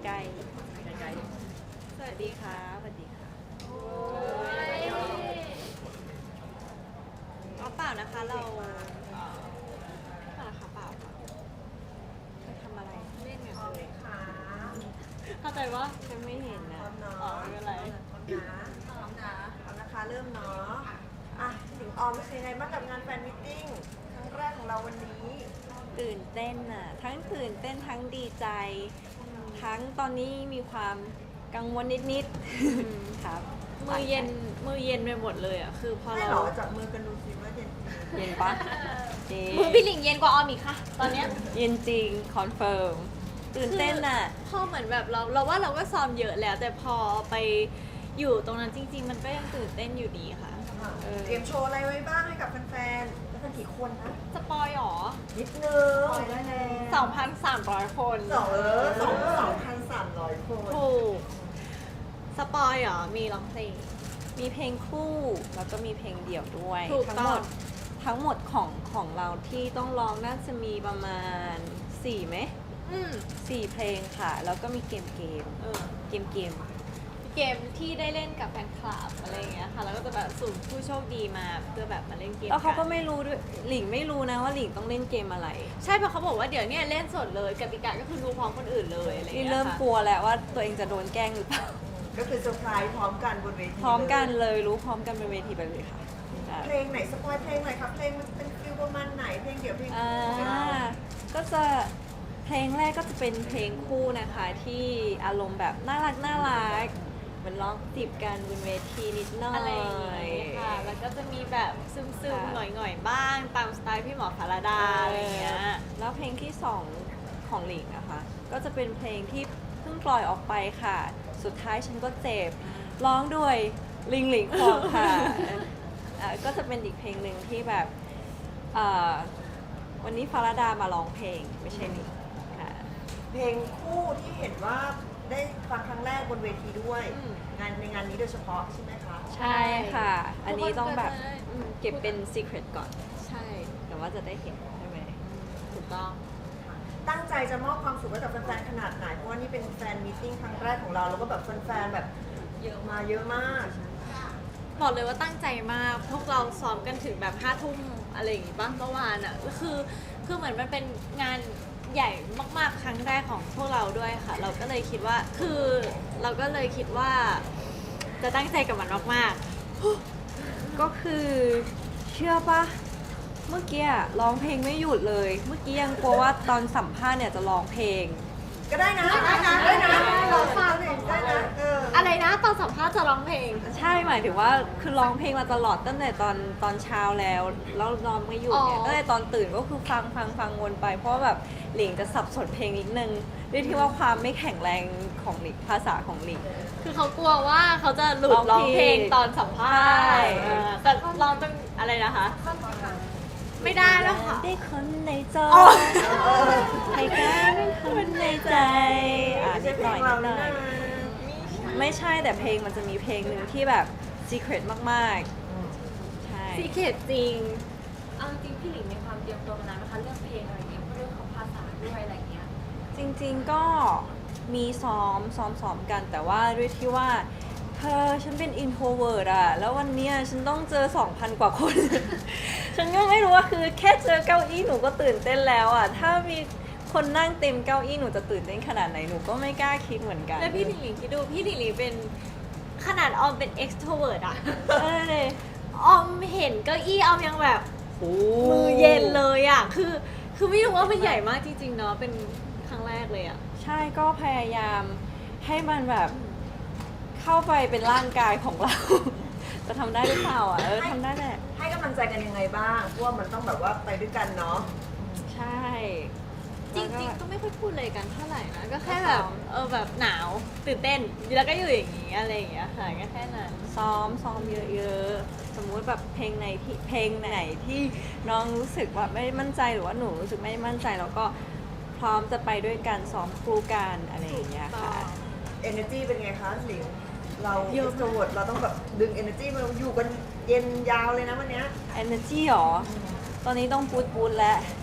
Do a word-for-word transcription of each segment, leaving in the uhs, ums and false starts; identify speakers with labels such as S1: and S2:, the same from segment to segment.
S1: กล้ๆสวัสดีค่ะสวัสดีค่ะอ๋อเปล่านะคะเราเปล่านะคะเปล่าค่ะไปทำอะไรเล่นกันเลยเข้าใจว่ายังไม่เห็นนะอ๋อไม่เป็นไร
S2: พร้อมนะพร้อมนะคะเริ่มเนาะอ่ะถึงออมเป็นยังไงบ้างกับงานแฟนมิทติ้งครั้งแรกของเราวันนี้
S1: ตื่นเต้นน่ะทั้งตื่นเต้นทั้งดีใจ ทั้งตอนนี้มีความกังวลนิดๆครับ
S3: มือเย็นมือเย็นไปหมดเลยอ่ะคือพอ
S2: ให้
S3: เรา
S2: เหรอจับมือกันดูสิว่าเย็น
S1: เย็นปะเจ๊
S3: มือพี่หลิงเย็นกว่าออมอีกค่ะ ตอนเนี้ย
S1: เย็นจริงคอนเฟิร์มตื่นเต้นน่ะ
S3: พอเหมือนแบบเราเราว่าเราก็ซ้อมเยอะแล้ว แต่พอไปอยู่ตรงนั้นจริง ๆ มันก็ยังตื่นเต้นอยู่ดีค่ะ
S1: เออ
S2: เตรียมโชว์อะไรไว้บ้างให้กับแฟนๆแล้วเป็นกี่คนนะ
S3: สปอยหรอ
S2: นิดนึงปล่อยได้แล้ว
S3: สองพันสามร้อยคน
S2: สองเออสองสองพันสามร้อยคน
S3: ถูกสปอยหรอมีร้องเพลง
S1: มีเพลงคู่แล้วก็มีเพลงเดี่ยวด้วย
S3: ถูก
S1: ทั้ง
S3: ต้
S1: หม
S3: อง
S1: ดทั้งหมดของของเราที่ต้องร้องน่าจะมีประมาณสี่ไหม
S3: อืม
S1: สี่เพลงค่ะ แล้วก็มีเกมเกม
S3: เออ
S1: เกมเกม
S3: เกมที่ได้เล่นกับแฟนคลับอะไรอย่างเงี้ยค่ะแล้วก็จะแบบสุ่มผู้โชคดีมาเพื่อแบบมาเล่นเกม
S1: แล้วเขาก็
S3: น
S1: ไม่รู้ด้วยหลิงไม่รู้นะว่าหลิงต้องเล่นเกมอะไร
S3: ใช่เพราะเขาบอกว่าเดี๋ยวเนี้เล่นสดเลยกติกาก็คือดูพร้อมคนอื่นเลยอะไรอย่าง
S1: นี่
S3: เงี้ย
S1: เริ่ม
S3: ค่ะ
S1: กลัวแล้วว่าตัวเองจะโดนแกล้งหรือเปล่า
S2: ก็คือเซอร์ไพรส์พร้อมกันบนเวที
S1: พร้อมกันเลยรู้พร้อมกันบนเวทีไปเลยค่ะอ่า
S2: เพลงไหนสปอยเพลงไหนครับเพลงมันเป็นฟิลประมาณไหนเพลงเดี่ยวเพลง
S1: อ่า
S2: ของเรา
S1: ก็จะเพลงแรกก็จะเป็นเพลงคู่นะคะ ที่อารมณ์แบบน่ารักน่ารักเหมือนร้องจีบกันบนเวทีนิดหน่อย
S3: อะไรอย่างเงี้ยค่ะ แล้วก็จะมีแบบซึม
S1: ค่ะ
S3: ๆ หน่อยๆ บ้าง ตามสไตล์พี่หมอพาราดาอะไรอย่างเงี้ย
S1: แล้วเพลงที่สองของหลิงนะคะ ก็จะเป็นเพลงที่เพิ่งปล่อยออกไปค่ะ สุดท้ายฉันก็เจ็บร้องด้วยลิงหลิงคองค่ะ อ่าก็จะเป็นอีกเพลงหนึ่งที่แบบอ่าวันนี้ฟาราดามาร้องเพลงไม่ใช่หลิงค่ะ
S2: เพลงคู่ที่เห็นว่าได้ฟังครั้งแรกบนเวทีด้วย
S3: อืม
S2: งานในงานนี้โดยเฉพาะใช่ไหมคะ
S1: ใช่ค่ะ อันนี้ต้องแบบ
S3: ทุกคนก็จะได้อืม
S1: เก็บเป็น secret ก่อน
S3: ใช่
S1: แต่ว่าจะได้เห็นใช่ไหม
S3: ถูกต้อง
S2: ตั้งใจจะมอบความสุขให้กับแฟนๆขนาดไหน เพราะว่านี่เป็นแฟนมีตติ้งครั้งแรกของเรา แล้วก็แบบแฟนๆแบบเยอะมาเยอะมาก
S3: บอกเลยว่าตั้งใจมาก พวกเราซ้อมกันถึงแบบห้าทุ่มอะไรอย่างงี้บ้างเมื่อวานอ่ะก็คือ คือเหมือนมันเป็นงานใหญ่มากๆ ครั้งแรกของพวกเราด้วยค่ะ เราก็เลยคิดว่า คือเราก็เลยคิดว่า จะตั้งใจกับมันมาก
S1: ก็คือเชื่อปะเมื่อกี้อะร้องเพลงไม่หยุดเลย เมื่อกี้ยังกลัวว่าตอนสัมภาษณ์เนี่ยจะร้องเพลง
S2: ก็ได้นะ ได้นะ ได้นะเราฟังเนี่ยได้นะ เออ
S3: ๆ อะไรนะตอนสัมภาษณ์จะร้องเพลง
S1: ใช่หมายถึงว่าคือร้องเพลงมาตลอดตั้งแต่ตอนตอนเช้าแล้วแล้วร้องไม่หยุดเนี่ย
S3: อ๋อ
S1: ตั้งแต่ตอนตื่นก็คือฟังฟังฟังวนไป เพราะว่าแบบหลิงจะสับสนเพลงนิดนึงด้วยที่ว่าความไม่แข็งแรงของหลิงภาษาของหลิง
S3: คือเขากลัวว่าเขาจะหลุด
S1: ร้
S3: ร้
S1: อ
S3: อง ง
S1: เพ
S3: เพ
S1: ล
S3: ล
S1: ง
S3: งตอนสัมภา
S1: ใช่
S3: ษณ์เออแต่ร้องต้องอะไรนะคะ ไม่ได้แล้วค่ะ
S1: ได้คนในจอ
S3: อ๋อ
S1: ให้กลายเป็นคนในใจอ่ะ
S2: ไม่
S1: นิ
S2: ใช่
S1: ด
S2: เพ
S1: ห
S2: ล
S1: น่อย
S2: ง
S1: นิ
S2: เรา
S1: ดหน่
S2: นะ
S1: อย ไม่ใช่แต่เพลงมันจะมีเพลงหนึ่งที่แบบ secret มากๆ ใช่
S3: ซีเคทจริง
S4: เอาจริงๆพี่หลิงมีความเตรียมตัวมานานนะคะเรื่องเพลงอะไรเงี้ยเรื่องของภาษาด้วยอะไรเงี้ย
S1: จริงๆก็มีซ้อมซ้อมซ้อมกัน แต่ว่าด้วยที่ว่าเธอฉันเป็น introvert อะแล้ววันเนี้ยฉันต้องเจอ สองพัน กว่าคน ฉันก็ไม่รู้ว่าคือแค่เจอเก้าอี้หนูก็ตื่นเต้นแล้วอะถ้ามีคนนั่งเต็มเก้าอี้หนูจะตื่นเต้นขนาดไหนหนูก็ไม่กล้าคิดเหมือนกัน
S3: แล้วพี่หลิงหลิงคิดดูพี่หลิงหลิงเป็นขนาดออมเป็น extrovert อะ
S1: เออเลย
S3: ออมเห็นเก้าอี้ออมยังแบบ
S1: โอ้
S3: มือเย็นเลยอะคือคือไม่รู้ว่ามันใหญ่มากจริงๆเนาะเป็นครั้งแรกเลยอะ
S1: ใช่ก็พยายามให้มันแบบเข้าไปเป็นร่างกายของเรา จะทำได้หรือเปล่าอ่ะเออทำได้แหละ
S2: ให้กำลังใจกันยังไงบ้างเพราะว่ามันต้องแบบว่าไปด้วยกันเนาะ
S1: ใช่
S3: จริง
S1: แล้ว
S3: ๆ ก็ไม่ค่อยพูดเลยกันเท่าไหร่นะก็แค่แบบเออแบบหนาวตื่นเต้นแล้วก็อยู่อย่างนี้อะไรอย่างเงี้ยค่ะก็แค่นั้น
S1: ซ้อมซ้อมเยอะๆ สมมุติแบบเพลงไหนที่เพลงไหนที่น้องรู้สึกว่าไม่มั่นใจหรือว่าหนูรู้สึกไม่มั่นใจแล้วก็พร้อมจะไปด้วยกันซ้อมคู่กันอะไรอย่างเงี้ยค่ะ
S2: energy เป็นไงคะหลิงเรา
S3: เยอะ
S2: extrovert เราต้องแบบดึง energy มาอยู่กันเย็นยาวเลยนะวันเนี้ย
S1: energy หรอ ตอนนี้ต้องปูดปูดแล้ว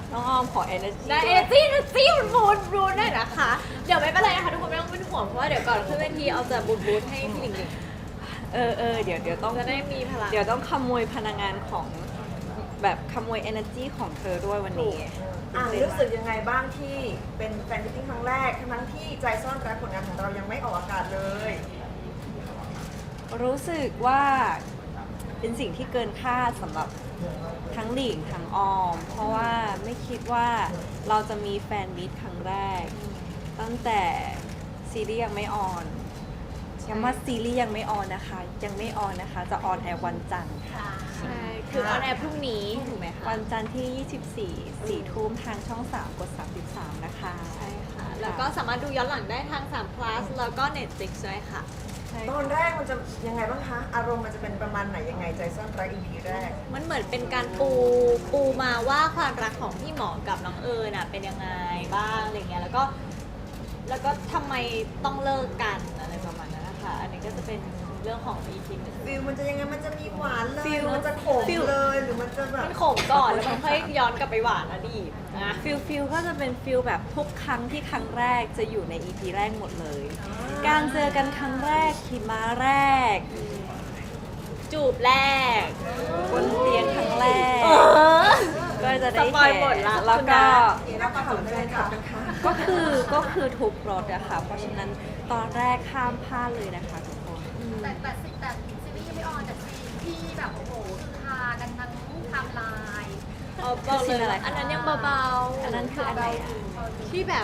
S1: น้องออมขอ energy
S3: ได้
S1: ด้
S3: เอ
S1: วย
S3: จี้นะจี้มันบูนบูนได้นะคะ เดี๋ยวไม่เป็นไรนะคะทุกคนไม่ต้องเป็นห่วงเพราะว่าเดี๋ยวก่อนขึ้นเวทีเอาจะบูนบูนให้พี่หลิงหลิง
S1: เออเออเดี๋ยวเดี๋ยวต้อง
S3: จะได้มีพลัง
S1: เดี๋ยวต้องขโมยพลังงานของแบบขโมย energy ของเธอด้วยวันนี้
S2: อ่ะรู้สึกยังไงบ้างที่เป็นแฟนมิตติ้งครั้งแรกทั้งที่ใจซ่อนรักผลงานของเรายังไม่ออกอากาศเลย
S1: รู้สึกว่าเป็นสิ่งที่เกินคาดสำหรับทั้งหลิงทั้งออม เพราะว่าไม่คิดว่าเราจะมีแฟนมิตครั้งแรก ตั้งแต่ซีรีส์ยังไม่ออนย้ำว่าซีรีส์ยังไม่ออนนะคะ ยังไม่ออนนะคะ จะออนแอร์วันจันทร์ค่ะ
S3: ใช่ คือออนแอร์พรุ่งนี้ถูกไหมคะ
S1: วันจันทร์ที่ ยี่สิบสี่ สี่ทุ่มทางช่อง สาม กด สามสิบสาม นะคะ
S3: ใช่ค่ะ แล้วก็สามารถดูย้อนหลังได้ทาง สาม plus แล้วก็ Netflix ด้วยค่ะ
S1: ใช่
S2: ตอนแรกมันจะยังไงบ้างคะ อารมณ์มันจะเป็นประมาณไหนยังไงใจซ่อนรัก อี พี แรก
S3: มันเหมือนเป็นการปูปูมาว่าความรักของพี่หมอกับน้องเอิญน่ะเป็นยังไงบ้างอะไรเงี้ย แล้วก็ แล้วก็ทำไมต้องเลิกกันอะไรประมาณนั้นนะคะ อันนี้ก็จะเป็นเรื่องของ อี พี หนึ่ง
S2: ฟิลมันจะยังไงมันจะมีหวานเลย
S1: ฟิล
S2: มันจะขม
S1: ฟิล
S2: เลยหรือมันจะแบบ
S3: มันขมก่อนแล้วมันค่อยย้อนกลับไปหวานอดีตนะ
S1: ฟิลฟิลก็จะเป็นฟิลแบบทุกครั้งที่ครั้งแรกจะอยู่ใน อี พี แรกหมดเลย การเจอกันครั้งแรกขี่ม้าแรก
S3: จูบแรก
S1: บนเตียงครั้งแรก
S3: เออ
S1: ก็จะได้
S3: สปอย
S1: เห็น
S3: หมดละ
S1: แล้วก็
S2: นี่นะข่าวแฟนคลับนะคะ
S1: ก็คือก็คือทุกรถอะค่ะ เพราะฉะนั้นตอนแรกข้ามพลาดเลยนะคะทุกคน
S4: แต่แต่แต่แต่ซีรีส์ยังไม่ออนแต่ซีนที่แบบโอ้โหคือฮากันทั้งไทม์ไลน์
S3: เอาบอกเลยว่าอันนั้นยังเบาๆ
S1: อันนั้นคืออันไหนอะ
S3: ที่แบบ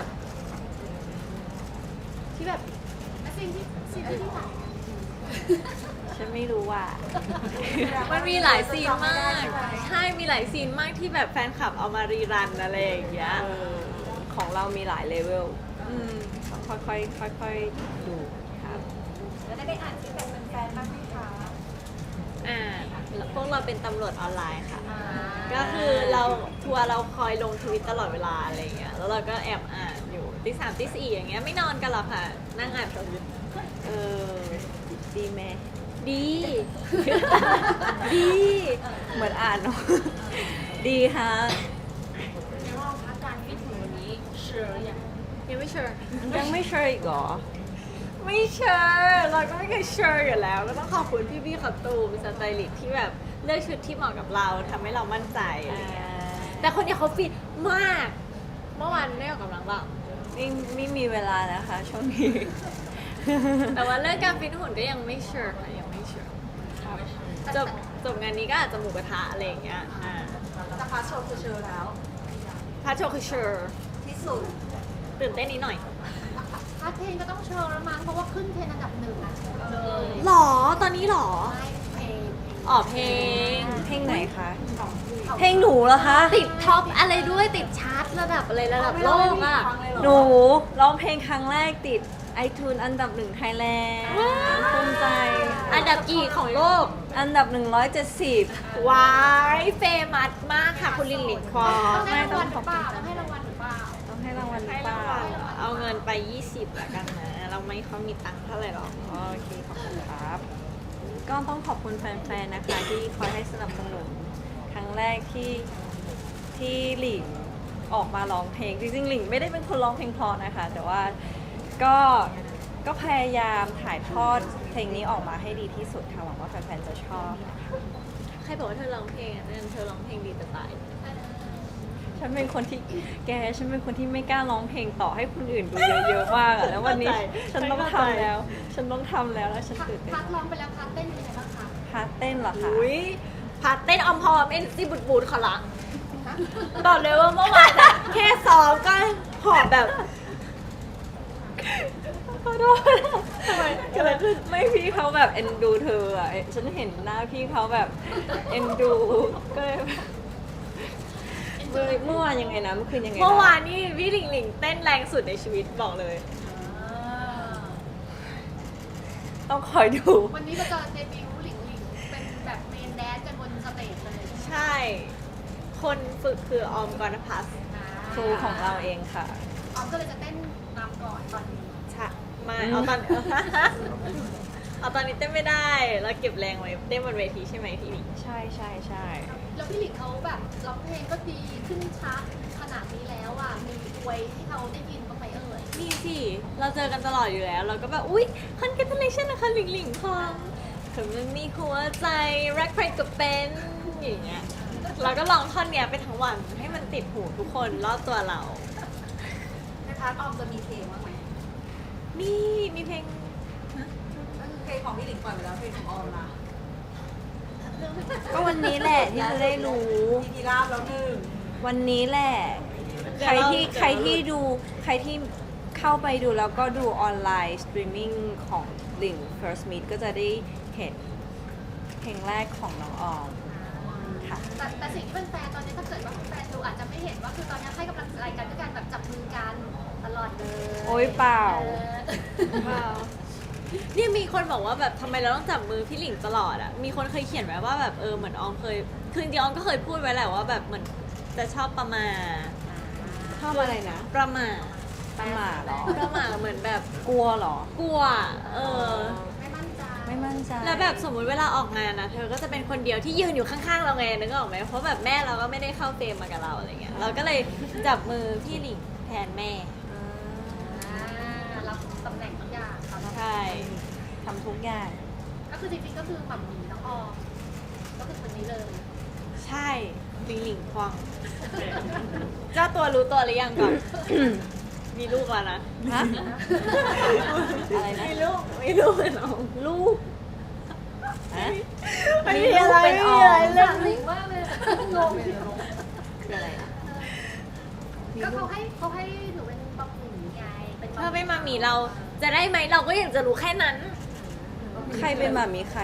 S3: ที่แบบ
S4: และซีนที่ซีนที่ไหน
S1: ฉันไม่รู้ว่า
S3: มันมีหลายซีนมาก ใช่ มีหลายซีนมากที่แบบแฟนคลับเอามารีรันอะไรอย่างเงี้ย
S1: เออของเรามีหลายเลเวลอืมต้องค่อยๆค่อยๆดูครับ
S4: แล้วได้ได้อ่านฟีดแบ็กแฟนๆบ้างไหมคะ
S3: อ่า พวกเราเป็นตำรวจออนไลน์ค่ะ ก็คือเราทัวร์เราคอยลงทวิตตลอดเวลาอะไรอย่างเงี้ย แล้วเราก็แอบอ่านอยู่ตีสามตีสี่อย่างเงี้ย ไม่นอนกันหรอกค่ะ นั่งอ่านทวิต
S1: เออ ดีไหม
S3: ดี ดี
S1: เหมือนอ่านเนาะ ดีฮะ
S4: ในรอบพักการฟิตหุ่นวันนี้เชื่ออย่าง
S3: ยังไม่เชื่อ
S1: ยังไม่เชื่ออีกเหรอ
S3: ไม่เชื่อเราก็ไม่เคยเชื่ออยู่แล้ว ก็ต้องขอบคุณพี่พี่ๆขับตูมสไตลิสต์ที่แบบเลือกชุดที่เหมาะกับเราทำให้เรามั่นใจอะไรเงี้ยแต่คนเนี้ยเขาฟิตมาก เมื่อวานได้ออกกำลังบ้าง
S1: ไม่ไม่มีเวลานะคะช่วงนี้
S3: แต่ว่าเรื่องการฟิตหุ่นก็ยังไม่เชื่อค่ะยังไม่เชื่อจบจบงานนี้ก็อาจจะหมูกระทะอะไรอย่างเงี้ยอ่า
S2: แต่พาร์ทโชว์คือเชิญแล้ว
S3: พาโชว์คือเชื่อ
S2: ที่สุด
S3: ตื่นเต้นนิดหน่อย
S4: พาร์ทเพลงก็ต้องเชิญแล้วมั้งเพราะว่าขึ้นเทรนด์อันดับหนึ่งเลย
S3: หรอตอนนี้หรอ
S4: ไม่เพลง
S3: อ๋อเพลง
S1: เพลงไหนคะ เพลงหนูเหรอคะ
S3: ติดท็อปอะไรด้วยติดชาร์ตระดับอะไรระดับโลกอ่ะ
S1: หนูร้องเพลงครั้งแรกติด iTunes อันดับหนึ่งไทยแลนด์
S3: ว้าว
S1: ภูมิใจ
S3: อันดับกี่ของโลก
S1: อันดับหนึ่งร้อยเจ็ดสิบ
S3: วายเฟมัสมากค่ะคุณลินลินควอ
S4: ต้องให้
S1: ไม่
S4: ราง
S1: ต้อ
S4: วั
S1: ง
S4: ลห
S1: ข
S4: รือ อบ เป
S1: คุณ
S4: ล่าต้องให้รางวัลหรือเปล่า
S1: ต้องให้รางวัลหรื
S3: ให้
S1: อเป
S3: ราง
S1: ล่า
S3: วัลเหรอเอาเงินไป ยี่สิบละกันนะ เราไม่ค่อยมีตังค์เท่าไหร่หรอก
S1: โอเค ขอบคุณครับ ก็ต้องขอบคุณแฟนๆ นะคะ ที่คอยให้สนับสนุน ครั้งแรกที่ที่หลิงออกมาร้องเพลง จริงๆ หลิงไม่ได้เป็นคนร้องเพลงเพราะนะคะ แต่ว่าก็ก็พยายามถ่ายทอดเพลงนี้ออกมาให้ดีที่สุดค่ะ หวังว่าแฟนๆ จะชอบนะคะ
S3: ใครบอกว่าเธอร้องเพลงอ่ะนั่นเธอร้องเพลงดีจะตาย
S1: ฉันเป็นคนที่แกฉันเป็นคนที่ไม่กล้าร้องเพลงต่อให้คนอื่นดูเยอะๆมากอะแล้ววันนี้
S3: เข้าใจ
S1: ฉันต้อง
S3: เข้าใจ
S1: ทำแล้ว ฉันต้องทำแล้วแล้วฉัน
S4: พาร์ท
S1: ตื่นเต้น
S4: พาร์ทร้องไปแล้วพาร์ทเต้นเป็นยังไงบ้างคะ
S1: พาร์ทเต้นเหรอคะ
S3: อุ้ยพาเต้นออมพอมเอ็นซีบุดบูดขอละบอกเลยว่าเมื่อวานอะแค่ซ้อมก็หอบแบบ
S1: ขอโทษทำไมเกิดอะไรขึ้นไม่พี่เขาแบบเอ็นดูเธออ่ะฉันเห็นหน้าพี่เขาแบบเอ็นดูก็เลยแบบเมื่อเมื่อวานยังไงนะเมื่อคืนยังไงะ
S3: เมื่อวานนี่พี่หลิงหลิงเต้นแรงสุดในชีวิตบอกเลย
S1: ต้องคอยดู
S4: วันนี้เราจะเดบิวต์หลิงหลิงเป็นแบบเมนแดนซ์กันบนสเตจเลย
S3: ใช่ คนฝึกคือออมกรณพัฒน์
S1: ครูของเราเองค่ะ
S4: ออมก็เลยจะเต้นนำก่อนตอนนี้
S3: ใช่ไม่เอาตอน เอาตอนนี้เต้นไม่ได้เราเก็บแรงไว้เต้นบนเวทีใช่ไหมพี่หลิง
S1: ใช่ใช่ใช่
S4: แล้วพี่หลิงเขาแบบร้องเพลงก็ดีขึ้นชาร์ตข
S5: จากนี้แล้วอ่ะมีอวยที่เขาได้ยินบ้างไหมเอ่ย
S3: มีสิ เราเจอกันตลอดอยู่แล้ว เราก็แบบ อุ๊ย congratulation นะคะหลิงหลิงคองถึงมันมีหัวใจรักใครก็เป็นอย่างเงี้ย เราก็ลองท่อนเนี้ยไปทั้งวันให้มันติดหูทุกคนรอบตัวเรา
S4: ในพาร์ทออมจะมีเพลงบ้างไหม
S3: มี มีเพลง
S4: ก็คือเพลงของพี่หลิงปล่อยไปแล้วเพลงของออมล่ะ
S1: ก็วันนี้แหละที่จะได้รู้
S2: มีกีราบแล้วหนึ่ง
S1: วันนี้แหละ
S3: เดี๋
S1: ใค
S3: ยว
S1: ร
S3: เรา
S1: ที่
S3: เดี๋ยวเรา
S1: ใครที่ดูใครที่เข้าไปดูแล้วก็ดูออนไลน์สตรีมมิ่งของหลิง First Meet ก็จะได้เห็นเพลงแรกของน้องออมค่ะ
S5: แต่แต่สิ่งที่เป็นแฟนตอนนี้ถ้าเกิดว่าแฟนดูอาจจะไม่เห็นว่าคือตอนนี้ให้กำลังใจกันด้วยการแบบจับมือกันตลอดเลย
S1: โอ๊ยเปล่า
S5: ออ
S3: ว้าวเนี่ยมีคนบอกว่าแบบทำไมเราต้องจับมือพี่หลิงตลอดอ่ะ มีคนเคยเขียนไว้ว่าแบบเออเหมือนออมเคย คือจริงๆออมก็เคยพูดไว้แหละว่าแบบเหมือนจะชอบประมาท
S1: ชอบอะไรนะ
S3: ประมาท
S1: ประหมาเหรอ
S3: ประมาทเหมือนแบบ
S1: กลัวเหรอ
S3: กลัว เออ
S5: ไม่มั่นใจ
S1: ไม่มั่นใจ
S3: แล้วแบบสมมุติเวลาออกงานนะเธอก็จะเป็นคนเดียวที่ยืนอยู่ข้างๆเราไงนึกออกไหมเพราะแบบแม่เราก็ไม่ได้เข้าเฟรมมากับเราอะไรเงี้ยเราก็เลยจับมือพี่หลิงแทนแม่
S5: อ่ารับตำแหน่งทุกอย่างเขา
S3: ใช่
S1: ทำทุกอย่าง
S5: ก็คือจริงๆก็คือหม่ำหมีน้องออมก็คือคนนี้เลย
S3: ใช่หลิงหลิงควงเจ้าตัวรู้ตัวหรือยังก่อน มีลูกแล้วนะ
S1: ฮะ อะไรนะ
S3: มีลูกมีลูกเป็นน้อง
S1: ลูกฮะ
S3: ไม่
S1: มี
S3: มี
S1: ลู
S3: อะ
S1: ก
S3: ไร
S1: เป็
S3: ไม่
S1: น
S3: มี
S1: ออ
S3: อะไร
S1: ม
S3: เรื่อง
S5: หลิงว่าเลยงง
S1: คืออะไรนะ
S5: ก็เขาให้เขาให้หนูเป็นบะหมี่ไงเป็น
S3: ถ้าไม่มามีเราจะได้ไหมเราก็อยากจะรู้แค่นั้น
S1: ใครเป็นหมามีใคร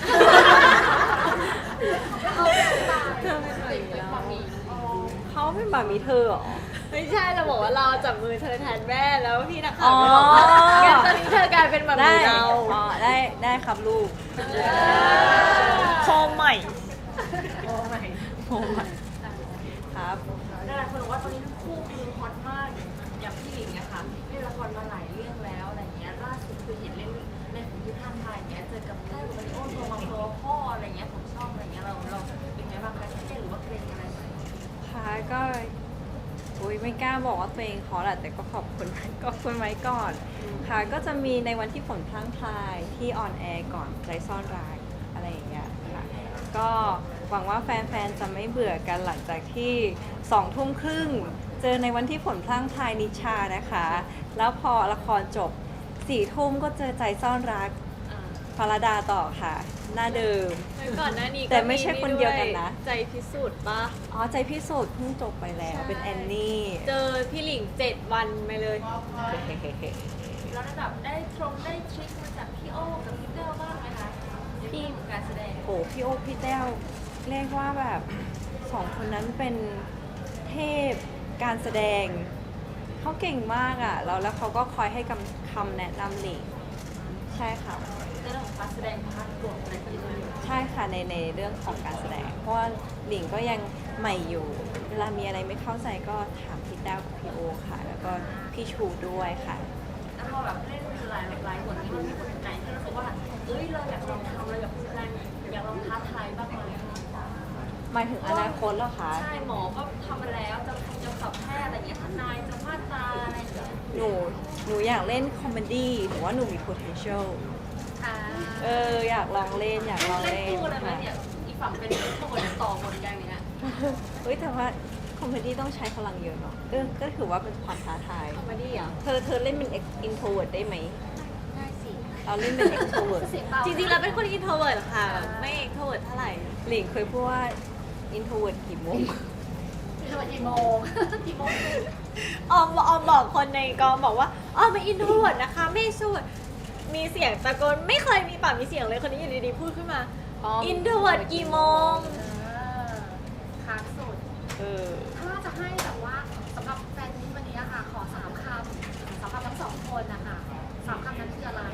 S5: เขาเป็นบะหมี่เป็นบะหมี่น้องออม
S1: เขาเป็นหมามีเธอเหรอ
S3: ไม่ใช่เราบอกว่าเราจับมือเธอแทนแม่แล้วพี่นัก
S1: อ๋
S3: ข่า
S1: อ
S3: วก็บอกว่างั้นตอนนี้เธอกลายเป็นแบบ
S1: ได้
S3: เรา
S1: อ๋อได้ได้ครับลูก
S3: โคมใหม่
S1: โอ้ไม่ครับ
S4: หลายคนบอกว่าตอนนี้ทั้งคู่คือฮอตมากอย่างพี่หลิงอะค่ะเล่นละครมาหลายเรื่องแล้วอะไรเงี้ยล่าสุดคือเห็นเล่นในของที่ท่านไทยอย่างเงี้ยเจอกับแม่กับมาริโอโทรมาโทรพ่ออะไรเงี้ยผมชอบอะไรเงี้ยเราเราเป็นไงบ้างคะเต้นหรือว่าเกรงอะไรไหม
S1: ค่ะก็อุ้ยไม่กล้าบอกว่าตัวเองขอแหละแต่ก็ขอบคุณ ก็คุณไว้ก่อน ค่ะก็จะมีในวันที่ฝนพลั่งพลายที่ออนแอร์ก่อนใจซ่อนรักอะไรอย่างเงี้ยค่ะก็หวังว่าแฟนๆจะไม่เบื่อกันหลังจากที่สองทุ่มครึ่งเจอในวันที่ฝนพลั่งพลายนิชานะคะ แล้วพอละครจบสี่ทุ่มก็เจอใจซ่อนรักฟาราดาต่อค่ะ หน้าเดิม
S3: ก่อนหน้านี้
S1: แต่ไม่ใช่คนเดียวกันนะ
S3: ใจพิสูจน์ปะ
S1: อ๋อใจพิสูจน์เพิ่งจบไปแล้วเป็นแอนนี่
S3: เจอพี่หลิงเจ็ดวันไปเลย
S4: แล้วได้แบบได้ตรงได้ทริคมาจากพี่โอ้กับพี่เต้าบ้างไหมคะในเรื่องของการแสดง
S1: โอ้พี่โอ๊คพี่แต้วเรียกว่าแบบสองคนนั้นเป็นเทพการแสดง เขาเก่งมากอ่ะแล้วแล้วเขาก็คอยให้คำคำแนะนำหลิงใช่ค่ะ
S4: ในเรื่องของการแสดงพาร์ทบวกอะไรอย่างเงี้ย
S1: ใช่ค่ะในในเรื่องของการแสดง เพราะว่าหลิงก็ยังใหม่อยู่ เวลามีอะไรไม่เข้าใจก็ถามพี่แต้วกับพี่โอคค่ะ แล้วก็พี่ชูด้วยค่ะ
S4: แล้วพอแบบเล่นหลายหลายบทนี้มันมีบทไหนที่รู้สึกว่าเอ้ยเราอยากลองทำเราอยากแสดงอยากลองท้าทายบ้างไหม
S1: หมายถึงอนาคตเหรอคะ
S4: ใช่หมอก็ทำมาแล้วจะจะสับแพทย์อะไรอย่างเงี้ยทนายจะมาตราอะไรอย่างเงี้ย
S1: หนูหนูอยากเล่นคอมเมดี้หนูว่าหนูมี potential
S5: อ่า
S1: เอออยากลองเล่นอยากลอง
S4: เล่น
S1: เล่น
S4: คู่เลยไหม
S1: ค่ะ
S4: เนี่ยอีกฝั่งเป็นคู่บทต่อบทกันอย่างเงี้ย
S1: เฮ้ยแต่ว่าคอมเมดี้ต้องใช้พลังเยอะเนาะเออก็ถือว่าเป็นความท้าทาย
S3: คอมเมดี้เหรอ
S1: เธอเธอเล่นเป็น introvert ได้ไหม
S5: ได้สิ
S1: เราเล่นเป็น extrovert
S5: เสียงเบา
S3: จริงๆเราเป็นคนอินโทรเวิร์ดค่ะแบบไม่เอ็กโทรเวิร์ดเท่าไหร่
S1: หลิงเคยพูดว่า introvert กี่โมง
S5: คือวันกี่โมง กี่โมง
S3: ออมออมบอกคนในกองบอกว่าออมเป็นอินโทรเวิร์ดนะคะไม่สู้มีเสียงตะโกนไม่เคยมีปากมีเสียงเลยคนนี้อยู่ดีๆพูดขึ้นมา
S1: ออม
S3: อินโทรเวิร์ดกี่โมง
S5: เออค้างสุด
S1: เออ
S5: ถ้าจะให้แบบว่าสำหรับแฟนนี้วันนี้อะค่ะ ขอสามคำสำหรับทั้งสองคนนะคะสามคำนั้นคืออะไร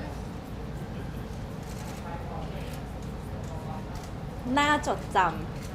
S1: น่าจดจ
S5: อ่า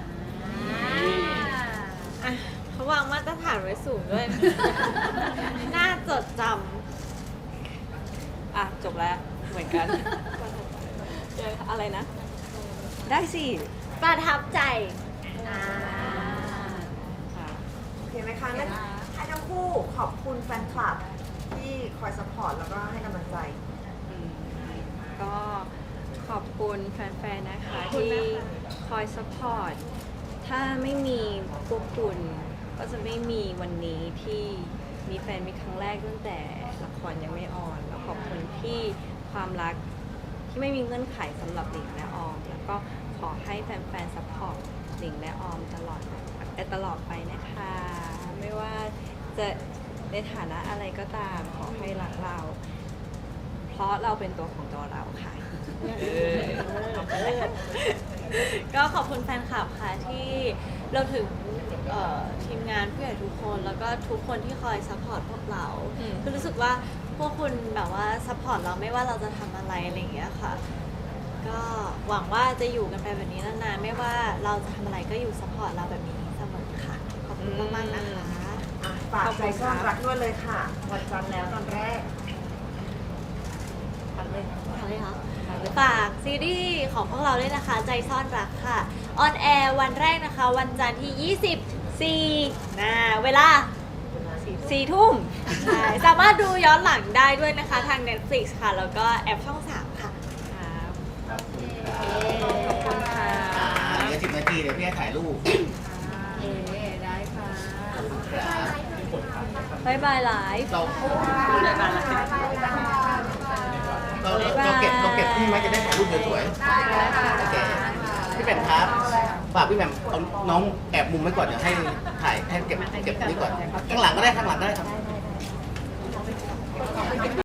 S3: อ่ะเขาวางมาตรฐานไว้สูงด้วย น่าจดจ
S1: ำอ่ะ จบแล้วเหมือนกันเจออะไรนะ ได้สิ
S3: ำประทับใจ
S5: อ่า
S1: ค่ะ
S2: เคไหมคะงั้นให้ทั้งคู่ขอบคุณแฟนคลับที่คอยสปอร์ตแล้วก็ให้กำลังใจ
S1: ก็ขอบคุณแฟนๆ นะคะที่คอยสปอร์ต ถ้าไม่มีพวกคุณก็จะไม่มีวันนี้ที่มีแฟนมีครั้งแรกตั้งแต่ละครยังไม่ออน แล้วขอบคุณที่ความรักที่ไม่มีเงื่อนไขสำหรับหลิงและออม แล้วก็ขอให้แฟนๆ สปอร์ตหลิงและออมตลอดไปตลอดไปนะคะ ไม่ว่าจะในฐานะอะไรก็ตามขอให้รักเรา เพราะเราเป็นตัวของตัวเราค่ะ
S3: ก็ขอบคุณแฟนคลับค่ะที่เราถึงเอ่อทีมงานผู้ใหญ่ทุกคน แล้วก็ทุกคนที่คอยซัพพอร์ตพวกเรา
S1: อืม
S3: คือรู้สึกว่าพวกคุณแบบว่าซัพพอร์ตเราไม่ว่าเราจะทำอะไรอะไรอย่างเงี้ยค่ะ ก็หวังว่าจะอยู่กันไปแบบนี้นานๆไม่ว่าเราจะทำอะไรก็อยู่ซัพพอร์ตเราแบบนี้เสมอค่ะ ขอบคุณมากๆนะคะ
S2: อ่ะฝากใจซ่อนรักด้วยเลยค่ะ วันจันทร์แล้วตอนแรกทันเลย
S3: อะไรคะฝากซีรีส์ของพวกเราด้วยนะคะ ใจซ่อนรักค่ะ ออนแอร์วันแรกนะคะ วันจันทร์ที่ ยี่สิบสี่นะเวลา
S1: สี่ทุ่ม
S3: ใช่สามารถดูย้อนหลังได้ด้วยนะคะทาง Netflix ค่ะ แล้วก็แอปช่อง สาม ค่ะ
S1: ครับ
S5: โอเค
S1: ขอบคุณค่ะ
S6: เหลือสิบนาทีเดี๋ยวพี่ให้ถ่ายรูป
S4: เอ๋ได้ค่ะ
S1: บายบายไลฟ์
S6: เราเราเราเก็บเราเก็บที่ไหมจะได้ถ่ายรูปสวยๆโอเคพี่แหม่มครับฝากพี่แหม่มเอาน้องแอบมุมไว้ก่อนเดี๋ยวให้ถ่ายให้เก็บเก็บนี้ก่อนข้างหลังก็ได้ข้างหลังก็ได้ครับ